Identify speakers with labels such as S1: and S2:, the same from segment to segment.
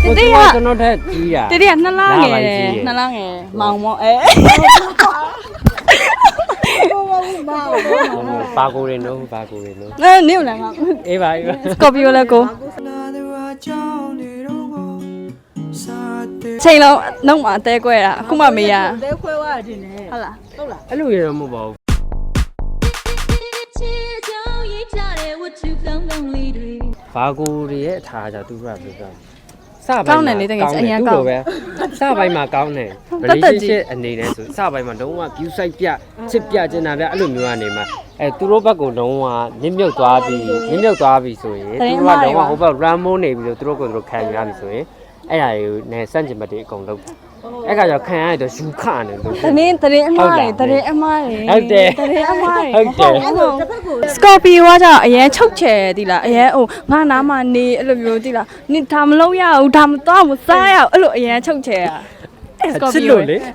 S1: တတိယကျွန်တော်ထက်ကြီးတာတတိယနှစ်လားငယ်နှစ်လားငယ်မောင်မောပါကိုရင်တော့ပါကိုရင်တော့နေဦးလားအေးပါအေးပါစကော်ပီယိုလည်းကိုချိန်လုံးနှုတ်မှာအသေးကွဲတာအခုမှမေးရအသေးခွဲသွားတယ်နေဟုတ်လားအဲ့လိုရတော့မဟုတ်ပါဘူးဘာကိုတွေရဲ့အထားကြသူကပြောပြစပိုင်းမှာကောင်းတယ်လေတကယ်အရင်ကောင်းပဲစပိုင်းမှာကောင်းတယ် relationship အနေနဲ့ဆိုစပိုင်းမှာလုံးဝ view site ပြချစ်ပြကျင်တာဗျအဲ့လိုမျိုးကနေမှာသူတို့ဘက်ကလုံးဝနင်းမြုပ်သွားပြီဆိုရင်သူတို့ကလုံးဝဟိုဘက် run မိုးနေပြီလို့သူတို့ကိုသူတို့ခံရပြီဆိုရင်အဲ့ဒါတွေကိုနဲ့စန့်ကျင်ဘက်တွေအကုန်လုံးအဲ့ကကြောင့်ခံရတော့ယူခနေလို့တရင်အမားတွေဟုတ်တယ်တရင်အမားတွေဟုတ်တယ်စကော်ပီယိုကကြောင့်အရင်ချုပ်ချယ်သီလားအရင်ဟိုငါနားမှာနေအဲ့လိုမျိုးသီလားနေဒါမလုံးရဘူးဒါမတော့မစားရဘူးအဲ့လိုအရင်ချုပ်ချယ်อ่ะစကော်ပီယိုလေ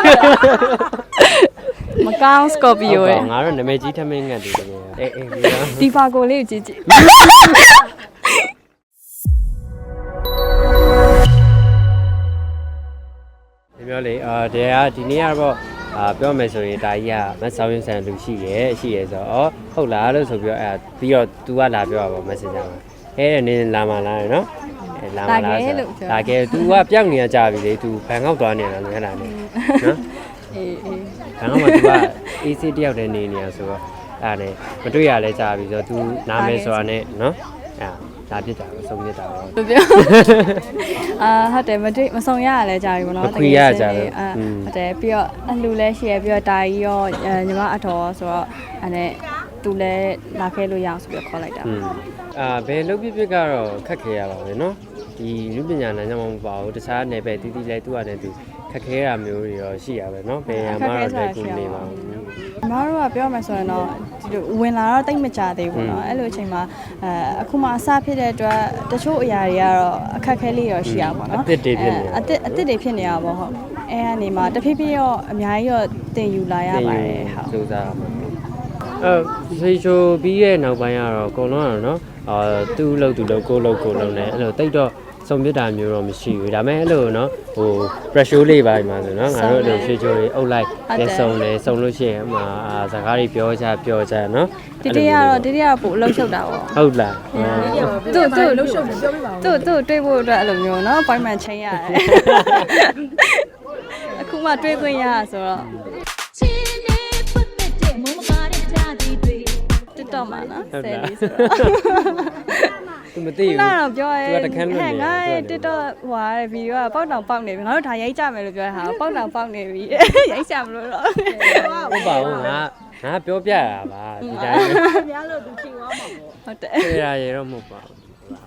S1: မကောင်းစကော်ပီယိုရဲ့ငါတို့နာမည်ကြီးထမင်းငတ်တယ်တကယ်အေးဒီပါကိုလေးကိုကြည့်ပြောလေတရားဒီနေ့ကတော့ပြောမယ်ဆိုရင်ဒါကြီးကမဆောင်းရင်ဆန်လူရှိရဲဆိုတော့ဟုတ်လားလို့ဆိုပြီးတော့ပြီးတော့ तू ကလာပြောတာပေါ့ Messenger မှာနေလာမလားနော်လာမလားဆိုလာခဲ့ तू ကပြောင်းနေကြပြီလေ तू ဘန်ကောက်သွားနေတာလည်းဟဲ့လားနော်အေးဘန်ကောက်မှာ तू က AC တယောက်တည်းနေနေတာဆိုတော့အဲ့ဒါမတွေ့ရလဲကြာပြီဆိုတော့ तू နားမယ်ဆိုတာနဲ့နော်ဒါပြစ်တာဆုံးပြစ်တာပေါ့ပြောဟုတ်တယ်မဆုံရရလဲကြာပြီပေါ့နော်မခွေရကြာတယ်ဟုတ်တယ်ပြီးတော့အလှလဲရှိရပြီးတော့တာကြီးရောညီမအထော်ဆိုတော့အဲ့နဲ့သူလည်းလာခဲလို့ရအောင်ဆိုပြီးခေါ်လိုက်တာဘယ်လုပ်ပြကတော့ခက်ခဲရပါပဲနော်ဒီလူပညာလမ်းကြောင်းမပါဘူးတခြားနယ်ပယ်တီးတီးလဲသူ့အနေနဲ့သူခက်ခဲတာမျိုးတွေရောရှိရပဲနော်ဘယ်မှာတော့လည်းကိုနေပါဘူးညီမတို့ကပြောမှဆိုရင်တော့ဒီလိုဝင်လာတော့တိတ်မကြသေးဘူးเนาะအဲ့လိုအချိန်မှာအခုမှအစဖြစ်တဲ့အတွက်တချို့အရာတွေကတော့အခက်ခဲလေးရောရှိရပါတော့အစ်စ်တွေဖြစ်နေရပါဟုတ်အဲ့ကနေမှတဖြည်းဖြည်းရောအများကြီးရောတင်ယူလာရပါတယ်ဟုတ်စူးစမ်းပါဖေးချိုပြီးရဲ့နောက်ပိုင်းကတော့အကုန်လုံးကတော့เนาะသူ့လို့ကိုလုံးနဲ့အဲ့လိုတိတ်တော့စုံပြတာမျိုးတော့မရှိဘူးဒါပေမဲ့အဲ့လိုเนาะဟို pressure လေးပါမှာဆိုเนาะငါတို့အဲ့လိုဖေးချိုတွေအုပ်လိုက်လက်စုံလို့ရှိရင်အမှာစကားတွေပြောကြเนาะဒီတရကတော့ပို့အလုံးရှုပ်တာပေါ့ဟုတ်လားသူ့အလုံးရှုပ်တယ်ပြောပြပါဦးသူ့တွေးဖို့အတွက်အဲ့လိုမျိုးเนาะ appointment ချိန်ရတယ်အခုမှတွေးခွင့်ရဆိုတော့တော့မှာနော်ဆယ်လေးဆိုတော့သူမသိဘူးနားတော့ပြောရဲဟဲ့ငါတစ်တော့ဟွာတဲ့ဗီဒီယိုကပေါက်တောင်ပေါက်နေပြီငါတို့ဒါရိုက်ကြမယ်လို့ပြောတဲ့ဟာပေါက်တောင်ပေါက်နေပြီရိုက်ကြမလို့တော့ဟုတ်ပါဘူးငါပြောပြတာပါဒီတိုင်းများလို့သူချိန်သွားမှာပေါ့ဟုတ်တယ်ခေရရေတော့မဟုတ်ပါဘူး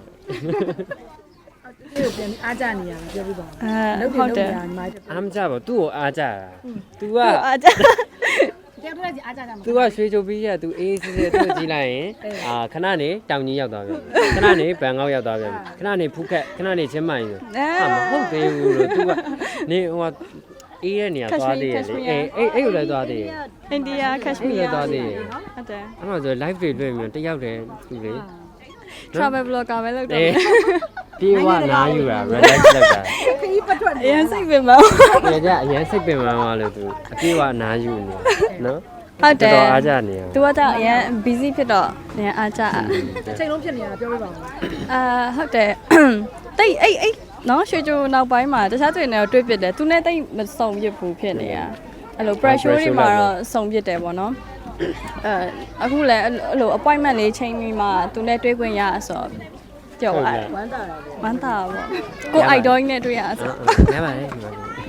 S1: သူ့ကိုပြန်အားကြနေရတာပြောပြပါဦးဟုတ်တယ်အားမကြပါဘူးသူ့ကိုအားကြတာ तू ကအားကြသူကရွှေချိုပြီးရသူအေးစစ်သူကြည့်လိုက်ရင်ခဏနေတောင်ကြီးရောက်သွားပြီခဏနေဘန်ကောက်ရောက်သွားပြီခဏနေဖူးခက်ခဏနေချင်းမိုင်ဆိုမဟုတ်သေးဘူးလို့သူကနေဟိုအေးတဲ့နေရာသွားသေးတယ်လေအဲ့ကိုလည်းသွားသေးတယ်အိန္ဒိယကက်ရှမီးယားသွားသေးတယ်ဟုတ်တယ်အဲ့မှာဆို live တွေတွေ့ပြီးတယောက်တည်းသူလေ travel blogger ပဲလုပ်တယ်ပြေဝနားယူတာ relax လုပ်တာခရီးပတ်ထွက်နေအရင်စိတ်ပင်မအရင်စိတ်ပင်မလို့သူအပြေဝနားယူနေနော်ဟုတ်တယ်တော်အားကြနေသူကတော့အရင် busy ဖြစ်တော့အရင်အားကြအချိန်လုံးဖြစ်နေတာပြောပြပါဦးဟုတ်တယ်တိတ်အဲ့နော်ရွှေချိုနောက်ပိုင်းမှာတခြားတွေနဲ့တွေ့ပြတယ်သူနဲ့တိတ်မစုံပြစ်ဘူးဖြစ်နေတာအဲ့လို pressure တွေမှာတော့စုံပြစ်တယ်ပေါ့နော်အခုလည်းအဲ့လို appointment လေးချိန်ပြီးမှသူနဲ့တွေ့ခွင့်ရဆိုတော့ကြောက်ရတယ်ဝမ်းသာတာပေါ့ကို idol နဲ့တွေ့ရဆိုရပါတယ်ဒီမှာ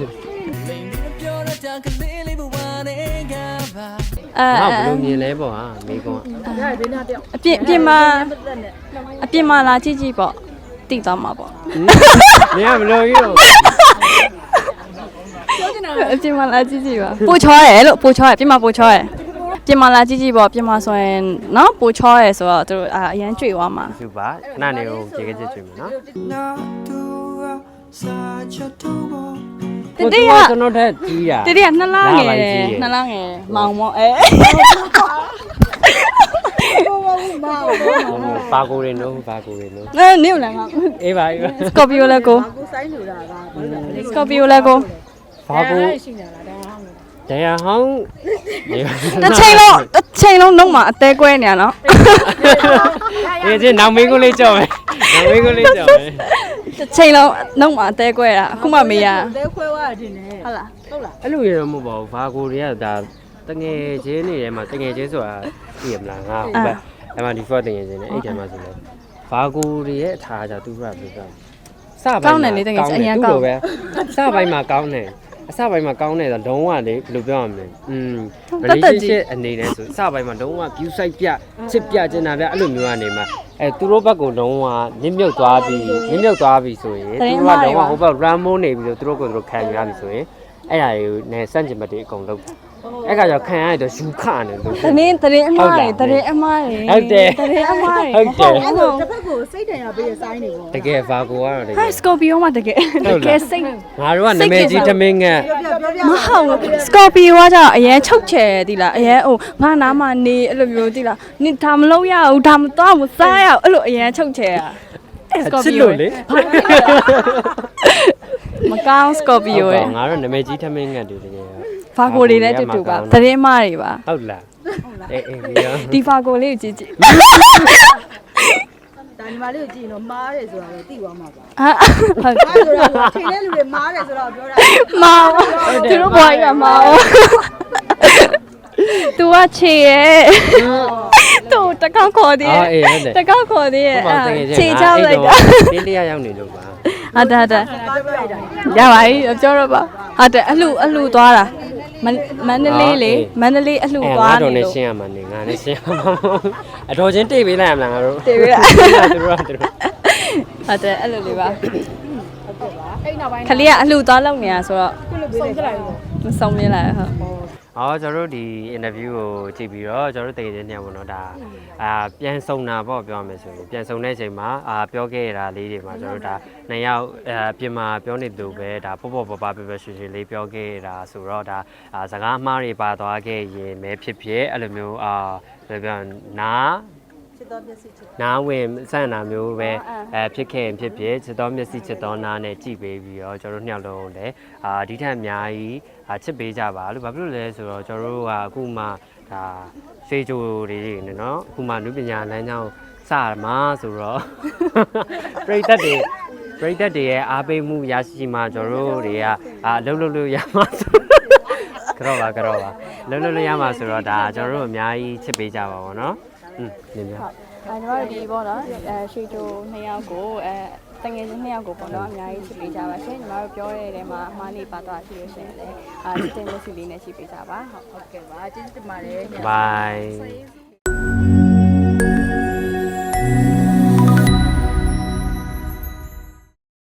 S1: ဘလို့မြင်လဲပေါ့ဟာမိကုန်းအပြင်မှာလာကြည့်ပေါ့တိသွားမှာပေါ့မင်းကဘလို့ကြီးတော့အပြင်မှာလာကြည့်ပါပို့ချောရဲလို့ပို့ချောရဲပြင်မှာပို့ချောရဲပြင်မာလာကြည့်ပေါ့ပြင်မာဆိုရင်နော်ပိုချောရဲဆိုတော့သူတို့အရန်ကြွေသွားမှာသူပါခဏနေကိုကြေကြည့်ကြွေမယ်နော်တတိယကျွန်တော်ထက်ကြီးတာတတိယနှစ်လားငယ်မောင်မောပါကိုရင်တော့နေဦးလားငါအေးပါစကော်ပီယိုလည်းကို
S2: ဆိုင်ဆိုတာကဘာလို့လဲ
S3: စကော်ပီယိုလည်းကို
S1: ဘာကို
S2: ရှိနေတာဒါဟောင်းလို့
S1: တရားဟောင်း
S3: တစ်ချိန်လုံးနှုတ်မှာအသေးကွဲနေရနော်
S1: ဒီချင်းနောက်မင်းကိုလေးကြောက်မယ်နောက်မင်းကိုလေးကြောက်မယ်
S3: တစ်ချိန်လုံးနှုတ်မှာအသေးကွဲတာအခုမှမေးရ
S2: လဲခွဲသွားတယ်နဲ့
S3: ဟုတ်လား
S2: ဟုတ်လား
S1: အဲ့လိုရတော့မဟုတ်ပါဘူးဘာကိုတွေကဒါတငယ်ချင်းနေထဲမှာတငယ်ချင်းဆိုတာသိရမလားငါဟုတ်ပဲအဲ့မှာ default တငယ်ချင်းနေအဲ့ထဲမှာဆိုလဲဘာကိုတွေရဲ့အထားကြသူကဘယ်လိုပြောစပိုင်းမှာပဲစပိုင်းမှာကောင်းတယ်အစပိုင်းမှာကောင်းတယ်ဆိုလုံးဝလေဘယ်လိုပြောရမလဲrelationship အနေနဲ့ဆိုစပိုင်းမှာလုံးဝ view site ပြချစ်ပြကျင်တာပြအဲ့လိုမျိုးကနေမှာသူတို့ဘက်ကလုံးဝနင်းမြုပ်သွားပြီဆိုရင်သူတို့ကလုံးဝဟိုဘက် run မိုးနေပြီလို့သူတို့ကိုသူတို့ခံရပြီဆိုရင်အဲ့ဒါတွေကိုနဲ့စန့်ကျင်ဘက်တွေအကုန်လုံးအဲ့ကကြောင့်ခံရတော့ယူခနေလို့
S3: တရင်အမားတွေဟုတ်တယ်
S1: ဟုတ်တယ်
S3: တရင်အမားတွေ
S1: ဟုတ်တယ်
S2: အဲ့လိုတစ်ဖက်ကိုစိတ်တန်ရပေးရဆိုင်နေပေါ့
S1: တကယ်ဘာကိုကတော့တက
S3: ဟို
S1: ယ်
S3: က်စကော်ပီယိုမှာတကယ်စိတ်
S1: ငါတို့ကနာမည်ကြီးသမင်းငတ်
S3: မဟုတ်စကော်ပီယိုကကြောင့်အရင်ချုပ်ချယ်သီလားအရင်ဟိုငါနားမှာနေအဲ့လိုမျိုးသီလားနင်ဒါမလုပ်ရဘူးဒါမတော့မစားရဘူးအဲ့လိုအရင်ချုပ်ချယ်อ่ะစကော်
S1: ချ
S3: ပီ
S1: စ်
S3: ယို
S1: လို့လေ
S3: မကောင်းစကော်ပီယိုရဲ့
S1: ငါတို့နာမည်ကြီးသမင်းငတ်တွေတကယ်
S3: ဖာကိုတွေလည်းတူတူပါတရင်မတွေပါ
S1: ဟုတ်လားအေးရော
S3: ဒီဖာကိုလေးကိုကြည့်ကြည့်
S2: ဒါညီမလေးကိုကြည့်ရင်တော့မားတယ်ဆိုတာလည်းသိသွားမှာပါ
S3: ဟာဟုတ်
S2: မားဆိုတာကချိန်တဲ့လူတွေမားတယ်ဆိုတော့ပြောတာ
S3: မောင်သူတို့ဘွားကြီးကမောင်သူကချေရဲ့သူတကောက်ခေါ်သေး
S1: အော်
S3: ရဲ့
S1: အေးဟုတ်တယ်
S3: တကောက်ခေါ်သေးရဲ့
S1: ဟိုမှာတကယ်
S3: ချေချောက်လိုက်တာ
S1: တင်းတရားရောက်နေလို့ပါ
S3: ဟုတ်တယ်
S2: ပြောပြလိုက်တာ
S3: ရပါပြီပြောတော့ပါဟုတ်တယ်အလှသွားတာမန္တလေးလေမန္တလေးအလှသွား
S1: ငါ
S3: နေ
S1: တို့နဲ့
S3: လို့
S1: ရှင်းရမှာနေငါနဲ့ရှင်းရမှာအတော်ချင်းတိတ်ပေးလိုက်ရမလားငါတို့
S3: တေးပြီလား
S1: သူတို့က
S3: ဟုတ်တယ်အဲ့လိုလေးပါခလေးကအလှသွားလောက်နေတာဆိုတော့
S2: ခုလိုပေးလိုက်တာ
S3: မဆုံးပြလိုက်ဟုတ်
S1: အော်ကျွန်တော်တို့ဒီ interview ကိုကြည့်ပြီးတော့ကျွန်တော်တို့တကယ်ချင်းညောင်ပေါ့နော်ဒါပြန်ဆုံတာပေါ့ပြောရမယ်ဆိုရင်ပြန်ဆုံတဲ့အချိန်မှာပြောခဲ့ရတာလေးတွေမှာကျွန်တော်တို့ဒါနှစ်ယောက်ပြင်မာပြောနေသူပဲဒါပေါ့ပေါ့ပပပဲရွှေရွှေလေးပြောခဲ့ရတာဆိုတော့ဒါစကားအမှားတွေပါသွားခဲ့ရင်ပဲဖြစ်ဖြစ်အဲ့လိုမျိုးဘယ်ပြောနာ
S2: ချစ်တော်မျက်စိချစ်
S1: နားဝင်စန့်တာမျိုးပဲဖြစ်ခဲ့ရင်ဖြစ်ဖြစ်ချစ်တော်မျက်စိချစ်တော်နားနဲ့ကြည့်ပေးပြီးတော့ကျွန်တော်တို့နှစ်ယောက်လုံးလည်းဒီထက်အများကြီးချစ်ပေးကြပါလို့ဘာဖြစ်လို့လဲဆိုတော့ကျွန်တော်တို့ကအခုမှဒါဖေးချိုတွေနေနော်အခုမှနုပညာလမ်းကြောင်းစမှာဆိုတော့ပရိသတ်တွေရဲ့အားပေးမှုရရှိမှကျွန်တော်တို့တွေကအလုပ်လုပ်လို့ရမှာဆိုကတော့ပါလုပ်လို့ရမှာဆိုတော့ဒါကျွန်တော်တို့အများကြီးချစ်ပေးကြပါဘောနော်နင်များ
S3: ညီမတို့ဒီပေါ့နော်ရွှေချို2ယောက်ကိုတငယ်ချင်း2ယောက်ကိုပေါ့နော်အများကြီးချစ်ပေးကြပါရှင်ညီမတို့ပြောတဲ့နေရာမှာအမှားလေးပါသွားရှိလို့ရှိရင်လည်းတင်လို့စီလေးနဲ့ချစ်ပေးကြပါဟုတ်
S2: ဟုတ်ကဲ့ပါကျေးဇူးတင်ပါတယ်
S1: Bye